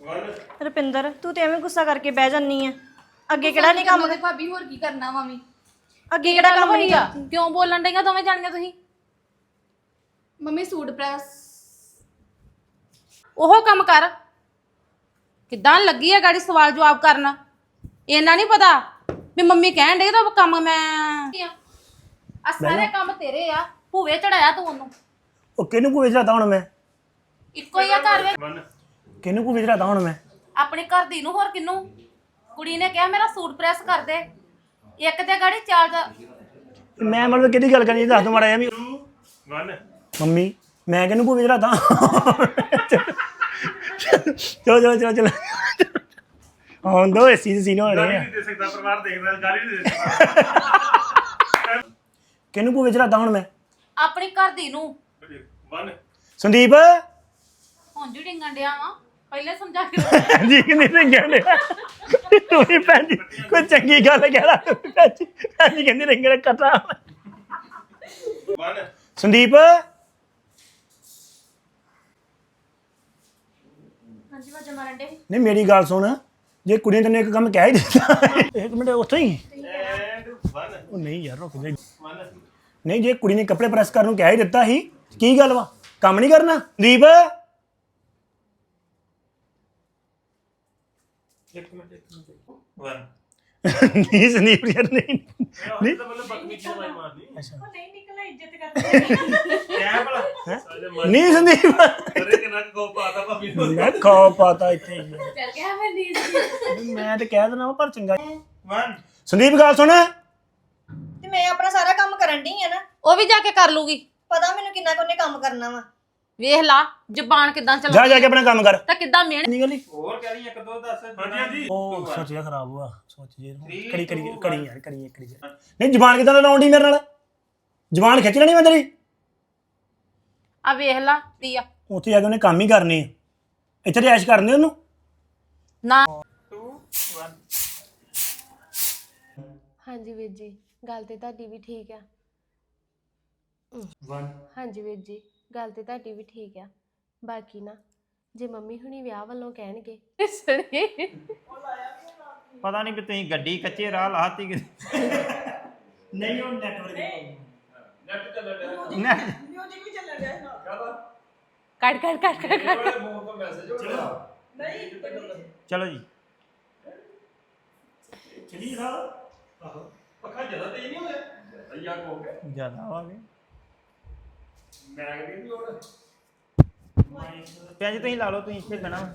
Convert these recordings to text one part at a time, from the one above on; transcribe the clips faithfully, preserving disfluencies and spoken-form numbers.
ਰੁਪਿੰਦਰ ਤੂੰ ਤੇ ਐਵੇਂ ਗੁੱਸਾ ਕਰਕੇ ਬਹਿ ਜਾਨੀ ਆ। ਅੱਗੇ ਕਿਹੜਾ ਨਹੀਂ ਕੰਮ ਤੇ ਭਾਬੀ ਹੋਰ ਕੀ ਕਰਨਾ ਮਾਮੀ? ਅੱਗੇ ਕਿਹੜਾ ਕੰਮ ਨਹੀਂ ਆ? ਕਿਉਂ ਬੋਲਣ ਡਈਆਂ ਦੋਵੇਂ ਜਾਣੀਆਂ ਤੁਸੀਂ? ਮੰਮੀ ਸੂਟ ਪ੍ਰੈਸ ਉਹ ਕੰਮ ਕਰ। ਕਿੱਦਾਂ ਲੱਗੀ ਆ ਗਾੜੀ ਸਵਾਲ ਜਵਾਬ ਕਰਨਾ? ਇਹਨਾਂ ਨਹੀਂ ਪਤਾ ਵੀ ਮੰਮੀ ਕਹਿਣ ਡਈ ਤਾਂ ਕੰਮ ਮੈਂ ਆ ਸਾਰੇ ਕੰਮ ਤੇਰੇ ਆ। ਭੂਵੇ ਚੜਾਇਆ ਤੂੰ ਉਹਨੂੰ। ਉਹ ਕਿਹਨੂੰ ਭੂਵੇ ਚੜਾਤਾ ਹੁਣ ਮੈਂ? ਇੱਕੋ ਹੀ ਆ ਘਰ ਵਿੱਚ। ਕਿਹਨੂੰ ਭੂਵੇ ਚੜਾਤਾ ਹੁਣ ਮੈਂ? ਆਪਣੇ ਘਰ ਦੀ ਨੂੰ ਹੋਰ ਕਿਨੂੰ? ਕੁੜੀ ਨੇ ਕਿਹਾ ਮੇਰਾ ਸੂਟ ਪ੍ਰੈਸ ਕਰ ਦੇ। ਇੱਕ ਤੇ ਗਾੜੀ ਚਾਰ ਦਾ ਮੈਂ ਮਤਲਬ ਕਿਹਦੀ ਗੱਲ ਕਰਨੀ ਦੱਸ ਦੋ ਮਾੜਾ ਜਿਹਾ ਵੀ। ਮੰਮੀ ਮੈਂ ਕਿਹਨੂੰ ਭੂਵੇ ਚੜਾਤਾ? ਚਲੋ ਚਲੋ ਚਲੋ ਚਲੋ ਹੁਣ ਦੋ ਏਸੀ ਦੇ ਸੀਨ ਹੋ ਰਹੇ ਆ। ਕਿਹਨੂੰ ਭੂਵੇ ਚੜਾਤਾ ਹੁਣ ਮੈਂ? ਆਪਣੀ ਘਰ ਦੀ ਨੂੰ। ਸੰਦੀਪ ਹੁਣ ਜੀ ਡਿੰਗਣ ਡਿਆ ਵਾ। ਪਹਿਲੇ ਸਮਝਾ ਕੇ ਜੀ ਨਹੀਂ ਰਿੰਗਣ ਡਿਆ। ਤੂੰ ਵੀ ਭੈਣ ਜੀ ਕੋਈ ਚੰਗੀ ਗੱਲ ਕਹਿਣਾ। ਭੈਣ ਜੀ ਭੈਣ ਜੀ ਕਹਿੰਦੀ ਰਿੰਗਣ ਕੱਟਾ। ਸੰਦੀਪ ਹਾਂਜੀ ਵਾਜਾ ਮਾਰਨ ਦੇ। ਨਹੀਂ ਮੇਰੀ ਗੱਲ ਸੁਣ, ਜੇ ਕੁੜੀ ਨੇ ਤੈਨੂੰ ਇੱਕ ਕੰਮ ਕਹਿ ਹੀ ਦਿੱਤਾ ਇੱਕ ਮਿੰਟ ਉੱਥੇ ਹੀ ਉਹ ਨਹੀਂ ਯਾਰ ਰੁਕ ਜਾ। ਨਹੀਂ ਜੇ ਕੁੜੀ ਨੇ ਕੱਪੜੇ ਪ੍ਰੈਸ ਕਰਨ ਨੂੰ ਕਹਿ ਹੀ ਦਿੱਤਾ ਸੀ ਕੀ ਗੱਲ ਵਾ? ਕੰਮ ਨਹੀਂ ਕਰਨਾ? ਦੀਪ ਨਹੀਂ ਸੰਦੀਪ ਯਾਰ ਨਹੀਂ ਨਹੀਂ ਨਹੀਂ ਸੰਦੀਪ ਮੈਂ ਖਾ ਪਾਤਾ ਇੱਥੇ ਮੈਂ ਤੇ ਕਹਿ ਦੇਣਾ ਪਰ ਚੰਗਾ। ਸੰਦੀਪ ਗੱਲ ਸੁਣ, ਤੇ ਮੈਂ ਆਪਣਾ ਸਾਰਾ ਕੰਮ ਕਰਨ ਢੀ ਆ ਨਾ। ਉਹ ਵੀ ਜਾ ਕੇ ਕਰ ਲੂਗੀ। ਪਤਾ ਮੈਨੂੰ ਕਿੰਨਾ ਕੋਨੇ ਕੰਮ ਕਰਨਾ ਵਾ। ਵੇਖ ਲਾ ਜ਼ਬਾਨ ਕਿੱਦਾਂ ਜਾ ਚੱਲਦੀ ਜਾ ਕੇ ਆਪਣਾ ਕੰਮ ਕਰ। ਤਾਂ ਕਿੱਦਾਂ ਮਿਹਨਤ। ਨਹੀਂ ਗਲੀ ਹੋਰ ਕਹਿ ਰਹੀ ਇੱਕ ਦੋ ਦੱਸ। ਹਾਂਜੀ ਹਾਂਜੀ ਉਹ ਸੋਚ ਜਾ ਖਰਾਬ ਹੋਆ ਸੋਚ ਜੇ ਕੜੀ ਕੜੀ ਕੜੀ ਯਾਰ ਕੜੀ ਕੜੀ ਨਹੀਂ ਜ਼ਬਾਨ ਕਿਦਾਂ ਲਾਉਂਦੀ ਮੇਰੇ ਨਾਲ? ਜ਼ਬਾਨ ਖਿੱਚ ਲੈਣੀ ਮੈਂ ਤੇਰੀ। ਆ ਵੇਖ ਲਾ ਤੀ ਆ ਉੱਥੇ ਜਾ ਕੇ ਉਹਨੇ ਕੰਮ ਹੀ ਕਰਨੇ ਆ। ਇੱਥੇ ਰਿਆਸ਼ ਕਰਨੇ ਉਹਨੂੰ ਨਾ। ਹਾਂਜੀ ਵੀਰ ਜੀ ਗੱਲ ਤੇ ਤੁਹਾਡੀ ਵੀ ਠੀਕ ਆ। ਹਾਂਜੀ ਵੀਰ ਜੀ ਗੱਲ ਤੇ ਤੁਹਾਡੀ ਵੀ ਠੀਕ ਆ। ਬਾਕੀ ਨਾ ਜੇ ਮੰਮੀ ਹੁਣੀ ਵਿਆਹ ਵੱਲੋਂ ਕਹਿਣਗੇ ਪਤਾ ਨਹੀਂ ਵੀ ਤੁਸੀਂ ਗੱਡੀ ਕੱਚੇ ਰਾਹ ਲਾਤੀ ਕਿ ਨਹੀਂ ਉਹ ਨੈਟਵਰਕ ਨੈਟ ਚੱਲਣ ਡਿਆ ਮਿਊਜ਼ਿਕ ਵੀ ਚੱਲਣ ਡਿਆ ਨਾਲ। ਕੱਟ ਕੱਟ ਕੱਟ ਕੱਟ ਫੋਨ ਤੋਂ ਮੈਸੇਜ ਹੋ ਗਿਆ ਨਹੀਂ ਚਲੋ ਜੀ ਚਲੀ ਜਾ। ਆਹੋ ਪੱਖਾ ਜ਼ਿਆਦਾ ਤੇਜ਼ ਨਹੀਂ ਹੋਇਆ ਭਈਆ ਕੋ ਜ਼ਿਆਦਾ ਆਵਾਂਗੇ ਮੈਂ ਕਹਿੰਦੀ ਹੋਰ ਪਿਆ ਜੀ ਤੁਸੀਂ ਲਾ ਲਓ। ਤੁਸੀਂ ਇੱਥੇ ਬਣਾ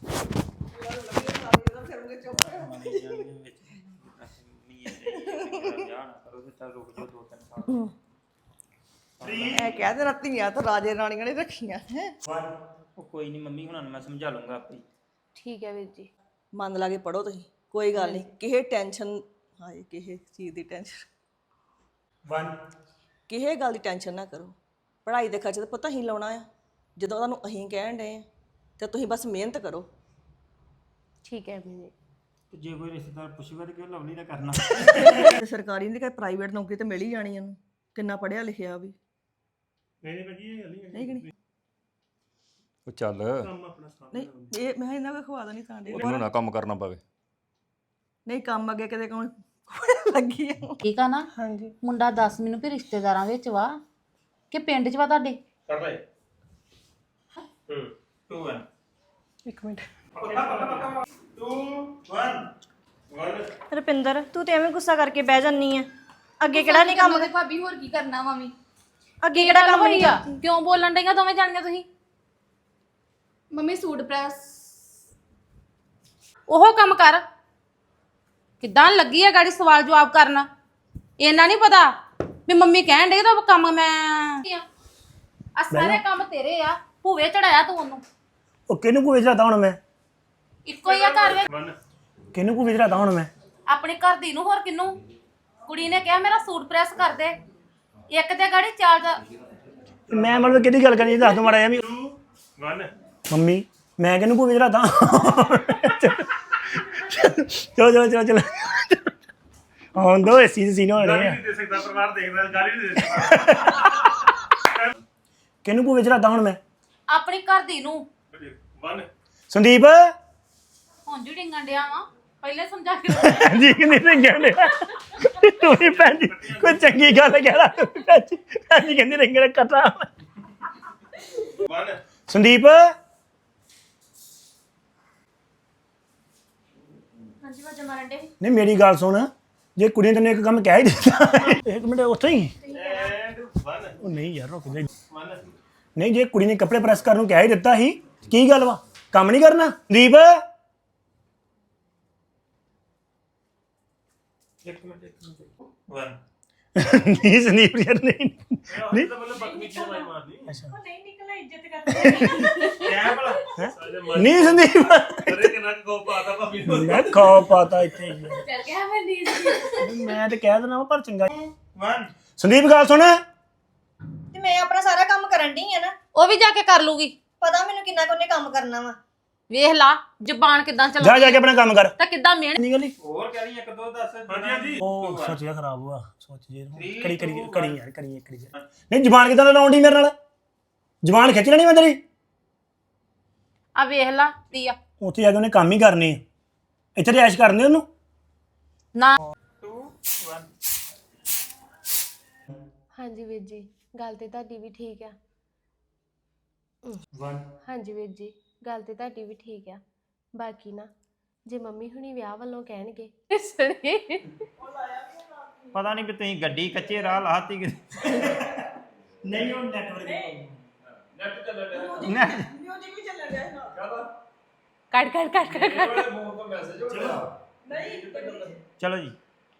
ਮੈਂ ਕਹਿ ਦੇ ਰੱਤੀਆਂ ਤਾਂ ਰਾਜੇ ਰਾਣੀਆਂ ਨੇ ਰੱਖੀਆਂ ਹੈ। ਉਹ ਕੋਈ ਨਹੀਂ ਮੰਮੀ ਹੁਣਾਂ ਨੂੰ ਮੈਂ ਸਮਝਾ ਲੂੰਗਾ ਆਪੇ। ਠੀਕ ਹੈ ਵੀਰ ਜੀ। ਮਨ ਲਾ ਕੇ ਪੜੋ ਤੁਸੀਂ, ਕੋਈ ਗੱਲ ਨਹੀਂ। ਕਿਸੇ ਟੈਨਸ਼ਨ ਹਾਏ ਕਿਸੇ ਚੀਜ਼ ਦੀ ਟੈਨਸ਼ਨ ਕਿਸੇ ਗੱਲ ਦੀ ਟੈਨਸ਼ਨ ਨਾ ਕਰੋ। ਪੜ੍ਹਾਈ ਦੇ ਖਰਚੇ ਤਾਂ ਪਤਾ ਹੀ ਲਾਉਣਾ ਆ। ਜਦੋਂ ਤੁਹਾਨੂੰ ਅਸੀਂ ਕਹਿਣ ਡਏ ਆ ਤੇ ਤੁਸੀਂ ਬਸ ਮਿਹਨਤ ਕਰੋ। ਠੀਕ ਹੈ ਵੀਰ ਜੀ। ਤੇ ਜੇ ਕੋਈ ਰਿਸ਼ਤੇਦਾਰ ਪੁੱਛੂਗਾ ਤਾਂ ਕਿਉਂ ਲਵਲੀ ਦਾ ਕਰਨਾ? ਤੇ ਸਰਕਾਰੀ ਨਹੀਂ ਕਿ ਪ੍ਰਾਈਵੇਟ ਨੌਕਰੀ ਤੇ ਮਿਲ ਹੀ ਜਾਣੀ ਇਹਨੂੰ। ਕਿੰਨਾ ਪੜ੍ਹਿਆ ਲਿਖਿਆ ਵੀ ਨਹੀਂ ਭਾਜੀ ਇਹ ਗੱਲ ਨਹੀਂ ਨਹੀਂ ਕਿ ਨਹੀਂ? ਉਹ ਚੱਲ ਕੰਮ ਆਪਣਾ ਸਾਰਾ ਨਹੀਂ ਇਹ ਮੈਂ ਇਹਨਾਂ ਕੋ ਖਵਾ ਦੇਣੀ ਤਾਂ ਦੇ ਉਹਨੂੰ ਨਾ ਕੰਮ ਕਰਨਾ ਪਵੇ। ਨਹੀਂ ਕੰਮ ਅੱਗੇ ਕਿਤੇ ਕੌਣ ਲੱਗੀ ਆ। ਠੀਕ ਆ ਨਾ? ਹਾਂਜੀ ਮੁੰਡਾ ਦੱਸ ਮੈਨੂੰ ਵੀ ਰਿਸ਼ਤੇਦਾਰਾਂ ਵਿੱਚ ਵਾ ਕਿ ਪਿੰਡ 'ਚ ਵਾ ਤੁਹਾਡੇ? ਕਰ ਲੈ ਹੂੰ ਟੂ ਵਨ ਇੱਕ ਮਿੰਟ। ਟੂ ਵਨ ਰੁਪਿੰਦਰ ਤੂੰ ਤੇ ਐਵੇਂ ਗੁੱਸਾ ਕਰਕੇ ਬਹਿ ਜਾਨੀ ਆ। ਅੱਗੇ ਕਿਹੜਾ ਨਹੀਂ ਕੰਮ? ਤੇ ਭਾਬੀ ਹੋਰ ਕੀ ਕਰਨਾ ਮਾਮੀ? ਅੱਗੇ ਕਿਹੜਾ ਕੰਮ ਨਹੀਂ ਆ? ਕਿਉਂ ਬੋਲਣ ਡਈਆਂ ਦੋਵੇਂ ਜਾਣੀਆਂ ਤੁਸੀਂ? ਮੰਮੀ ਸੂਟ ਪ੍ਰੈਸ ਉਹ ਕੰਮ ਕਰ। ਕਿੱਦਾਂ ਲੱਗੀ ਆ ਗਾੜੀ ਸਵਾਲ ਜਵਾਬ ਕਰਨਾ? ਇਹਨਾਂ ਨਹੀਂ ਪਤਾ ਵੀ ਮੰਮੀ ਕਹਿਣ ਡਈ ਤਾਂ ਕੰਮ ਮੈਂ ਆ ਸਾਰੇ ਕੰਮ ਤੇਰੇ ਆ। ਭੂਵੇ ਚੜਾਇਆ ਤੂੰ ਉਹਨੂੰ। ਉਹ ਕਿਹਨੂੰ ਭੂਵੇ ਚੜਾਤਾ ਹੁਣ ਮੈਂ? ਇੱਕੋ ਹੀ ਆ ਘਰ ਵਿੱਚ। ਕਿਹਨੂੰ ਭੂਵੇ ਚੜਾਤਾ ਹੁਣ ਮੈਂ? ਆਪਣੇ ਘਰ ਦੀ ਨੂੰ ਹੋਰ ਕਿਨੂੰ? ਕੁੜੀ ਨੇ ਕਿਹਾ ਮੇਰਾ ਸੂਟ ਪ੍ਰੈਸ ਕਰ ਦੇ। ਇੱਕ ਤੇ ਗਾੜੀ ਚਾਰ ਦਾ ਮੈਂ ਮਤਲਬ ਕਿਹਦੀ ਗੱਲ ਕਰਨੀ ਦੱਸ ਦੋ ਮਾੜਾ ਜਿਹਾ ਵੀ। ਮੰਮੀ ਮੈਂ ਕਿਹਨੂੰ ਭੂਵੇ ਚੜਾਤਾ? ਚਲੋ ਚਲੋ ਚਲੋ ਚਲੋ ਹੁਣ ਦੋ ਏਸੀ ਦੇ ਸੀਨ ਹੋ ਰਹੇ ਆ। ਕਿਹਨੂੰ ਭੂਵੇ ਚੜਾਤਾ ਹੁਣ ਮੈਂ? ਆਪਣੀ ਘਰ ਦੀ ਨੂੰ। ਸੰਦੀਪ ਹੁਣ ਜੂ ਡਿੰਗਣ ਡਿਆ ਵਾ ਪਹਿਲੇ ਸਮਝਾ ਕੇ ਰੱਖਿਆ। ਜੀ ਨਹੀਂ ਰਿੰਗਣ ਡਿਆ ਤੂੰ ਵੀ ਭੈਣ ਜੀ ਕੋਈ ਚੰਗੀ ਗੱਲ ਕਹਿ ਲਾ ਤੂੰ ਵੀ ਭੈਣ ਜੀ ਭੈਣ ਜੀ ਕਹਿੰਦੀ ਰਿੰਗਣ ਕਟਾ ਵਨ ਸੰਦੀਪ ਹਾਂਜੀ ਵਾਜਾ ਮਾਰਨ ਦੇ ਨਹੀਂ ਮੇਰੀ ਗੱਲ ਸੁਣ ਜੇ ਕੁੜੀ ਨੇ ਤੈਨੂੰ ਇੱਕ ਕੰਮ ਕਹਿ ਹੀ ਦਿੱਤਾ ਇੱਕ ਮਿੰਟ ਉੱਥੇ ਹੀ ਐਂਡ ਵਨ ਉਹ ਨਹੀਂ ਯਾਰ ਰੁਕ ਜਾ ਵਨ ਨਹੀਂ ਜੇ ਕੁੜੀ ਨੇ ਕੱਪੜੇ ਪ੍ਰੈਸ ਕਰਨ ਨੂੰ ਕਹਿ ਹੀ ਦਿੱਤਾ ਸੀ ਕੀ ਗੱਲ ਵਾ ਕੰਮ ਨਹੀਂ ਕਰਨਾ ਸੰਦੀਪ ਇੱਕ ਮਿੰਟ ਇੱਕ ਮਿੰਟ ਵਨ ਨਹੀਂ ਸੰਦੀਪ ਯਾਰ ਨਹੀਂ ਨਹੀਂ ਤਾਂ ਮਤਲਬ ਬਕਮੀਚੀ ਮਾਈ ਮਾਰਦੀ ਅੱਛਾ ਨਹੀਂ ਨਿਕਲਾ ਇੱਜ਼ਤ ਕਰਦੇ ਕਿਆ ਭਲਾ ਸਾਡੇ ਮਨ ਨਹੀਂ ਸੰਦੀਪ ਕਰੇ ਕਿੰਨਾ ਕੋ ਪਾਤਾ ਭਾਬੀ ਨੂੰ ਮੈਂ ਖਾ ਪਾਤਾ ਇੱਥੇ ਹੀ। ਚੱਲ ਗਿਆ ਮੈਂ ਨੀਂਦ ਮੈਂ ਤੇ ਕਹਿ ਦੇਣਾ ਵਾ ਪਰ ਚੰਗਾ ਵਨ ਸੰਦੀਪ ਗੱਲ ਸੁਣ ਤੇ ਮੈਂ ਆਪਣਾ ਸਾਰਾ ਕੰਮ ਕਰਨ ਢੀ ਆ ਨਾ ਉਹ ਵੀ ਜਾ ਕੇ ਕਰ ਲੂਗੀ ਪਤਾ ਮੈਨੂੰ ਕਿੰਨਾ ਕੁ ਉਹਨੇ ਕੰਮ ਕਰਨਾ ਵਾ ਵੇਖ ਲਾ ਜ਼ਬਾਨ ਕਿਦਾਂ ਜਾ ਚਲਾਉਂਦੀ ਜਾ ਕੇ ਆਪਣਾ ਕੰਮ ਕਰ ਤਾਂ ਕਿਦਾਂ ਮਿਹਨਤ ਨਹੀਂ ਗਲੀ ਹੋਰ ਕਹਿ ਰਹੀ ਇੱਕ ਦੋ ਦੱਸ ਹਾਂਜੀ ਹਾਂਜੀ ਉਹ ਸੋਚ ਜਾ ਖਰਾਬ ਹੋਆ ਸੋਚ ਜੇ ਕੜੀ ਕੜੀ ਕੜੀ ਯਾਰ ਕੜੀ ਇੱਕ ਕੜੀ ਯਾਰ। ਨਹੀਂ ਜ਼ਬਾਨ ਕਿਦਾਂ ਲਾਉਣ ਦੀ ਮੇਰੇ ਨਾਲ ਜ਼ਬਾਨ ਖਿੱਚ ਲੈਣੀ ਮੈਂ ਤੇਰੀ ਆ ਵੇਖ ਲਾ ਤੀਆ ਉੱਥੇ ਜਾ ਕੇ ਉਹਨੇ ਕੰਮ ਹੀ ਕਰਨੇ ਆ ਇੱਥੇ ਰਿਆਸ਼ ਕਰਨੇ ਉਹਨੂੰ ਨਾ ਟੂ ਵਨ ਹਾਂਜੀ ਵੀਰ ਜੀ ਗੱਲ ਤੇ ਤੁਹਾਡੀ ਵੀ ਠੀਕ ਆ ਵਨ ਹਾਂਜੀ ਵੀਰ ਜੀ ਗੱਲ ਤੇ ਤੁਹਾਡੀ ਵੀ ਠੀਕ ਆ ਬਾਕੀ ਨਾ ਜੇ ਮੰਮੀ ਹੁਣੀ ਵਿਆਹ ਵੱਲੋਂ ਕਹਿਣਗੇ ਪਤਾ ਨਹੀਂ ਵੀ ਤੁਸੀਂ ਗੱਡੀ ਕੱਚੇ ਰਾਹ ਲਾਤੀ ਕਿ ਨਹੀਂ ਉਹ ਨੈਟਵਰਕ ਨੈਟ ਚੱਲ ਰਿਹਾ ਮਿਊਜ਼ਿਕ ਵੀ ਚੱਲ ਰਿਹਾ ਹੈ ਕਾਹਦਾ ਕੱਟ ਕੱਟ ਕੱਟ ਕੱਟ ਕੱਟ। ਮੇਰੇ ਫੋਨ ਤੋਂ ਮੈਸੇਜ ਹੋ ਰਿਹਾ ਨਹੀਂ ਚਲੋ ਜੀ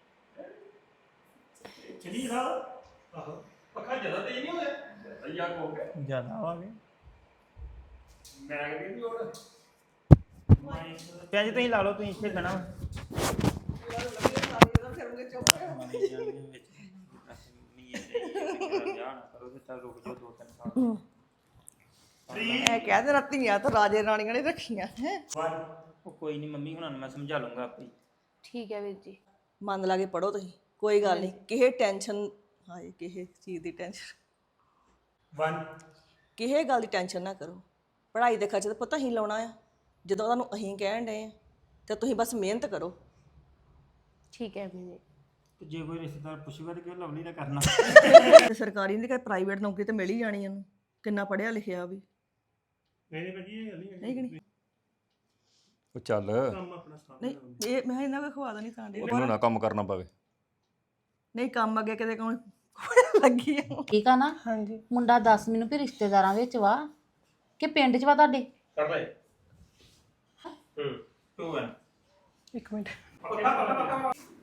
ਚਲੀ ਸਾਹਿਬ ਆਹੋ ਪੱਖਾ ਜ਼ਿਆਦਾ ਤੇਜ਼ ਨਹੀਂ ਹੋ ਗਿਆ ਅਈਆ ਕੋ ਹੋ ਗਿਆ ਜ਼ਿਆਦਾ ਆਵਾਂਗੇ ਮੈਂ ਕਹਿੰਦੀ ਵੀ ਹੋਰ ਪਿਆ ਜੀ ਤੁਸੀਂ ਲਾ ਲਓ ਤੁਸੀਂ ਇੱਥੇ ਬਣਾ ਮੈਂ ਕਹਿ ਦੇ ਧੀਆਂ ਤਾਂ ਰਾਜੇ ਰਾਣੀਆਂ ਨੇ ਰੱਖੀਆਂ ਹੈ ਉਹ ਕੋਈ ਨਹੀਂ ਮੰਮੀ ਹੁਣਾਂ ਨੂੰ ਮੈਂ ਸਮਝਾ ਲੂੰਗਾ ਆਪੇ ਠੀਕ ਹੈ ਵੀਰ ਜੀ ਮਨ ਲਾ ਕੇ ਪੜੋ ਤੁਸੀਂ ਕੋਈ ਗੱਲ ਨਹੀਂ ਕਿਸੇ ਟੈਨਸ਼ਨ ਹਾਏ ਕਿਸੇ ਚੀਜ਼ ਦੀ ਟੈਨਸ਼ਨ ਵਨ ਕਿਸੇ ਗੱਲ ਦੀ ਟੈਨਸ਼ਨ ਨਾ ਕਰੋ ਪੜ੍ਹਾਈ ਦੇ ਖਰਚ ਤਾਂ ਪਤਾ ਹੀ ਲਾਉਣਾ ਆ ਜਦੋਂ ਤੁਹਾਨੂੰ ਅਸੀਂ ਕਹਿਣ ਡਏ ਆ ਤੇ ਤੁਸੀਂ ਬਸ ਮਿਹਨਤ ਕਰੋ ਠੀਕ ਹੈ ਵੀਰ ਜੀ ਤੇ ਜੇ ਕੋਈ ਰਿਸ਼ਤੇਦਾਰ ਪੁੱਛੂਗਾ ਤਾਂ ਕਿਉਂ ਲਵਲੀ ਦਾ ਕਰਨਾ ਤੇ ਸਰਕਾਰੀ ਨਹੀਂ ਕਿ ਪ੍ਰਾਈਵੇਟ ਨੌਕਰੀ ਤੇ ਮਿਲ ਹੀ ਜਾਣੀ ਇਹਨੂੰ ਕਿੰਨਾ ਪੜ੍ਹਿਆ ਲਿਖਿਆ ਵੀ ਨਹੀਂ ਨਹੀਂ ਭਾਜੀ ਇਹ ਹਲੀ ਨਹੀਂ ਕਿ ਨਹੀਂ ਉਹ ਚੱਲ ਕੰਮ ਆਪਣਾ ਸਟਾਰਟ ਨਹੀਂ ਇਹ ਮੈਂ ਇਹਨਾਂ ਕੋ ਖਵਾ ਦੇਣੀ ਤਾਂ ਦੇ ਇਹਨੂੰ ਨਾ ਕੰਮ ਕਰਨਾ ਪਵੇ ਨਹੀਂ ਕੰਮ ਅੱਗੇ ਕਿਤੇ ਕੌਣ ਲੱਗੀ ਆ ਠੀਕ ਆ ਨਾ ਹਾਂਜੀ ਮੁੰਡਾ ਦੱਸ ਮੈਨੂੰ ਵੀ ਰਿਸ਼ਤੇਦਾਰਾਂ ਵਿੱਚ ਵਾ ਕਿ ਪਿੰਡ 'ਚ ਵਾ ਤੁਹਾਡੇ ਕਰ ਲੈ ਹੂੰ ਟੂ ਵਨ ਇੱਕ ਮਿੰਟ ਪੱਕਾ ਪੱਕਾ ਪੱਕਾ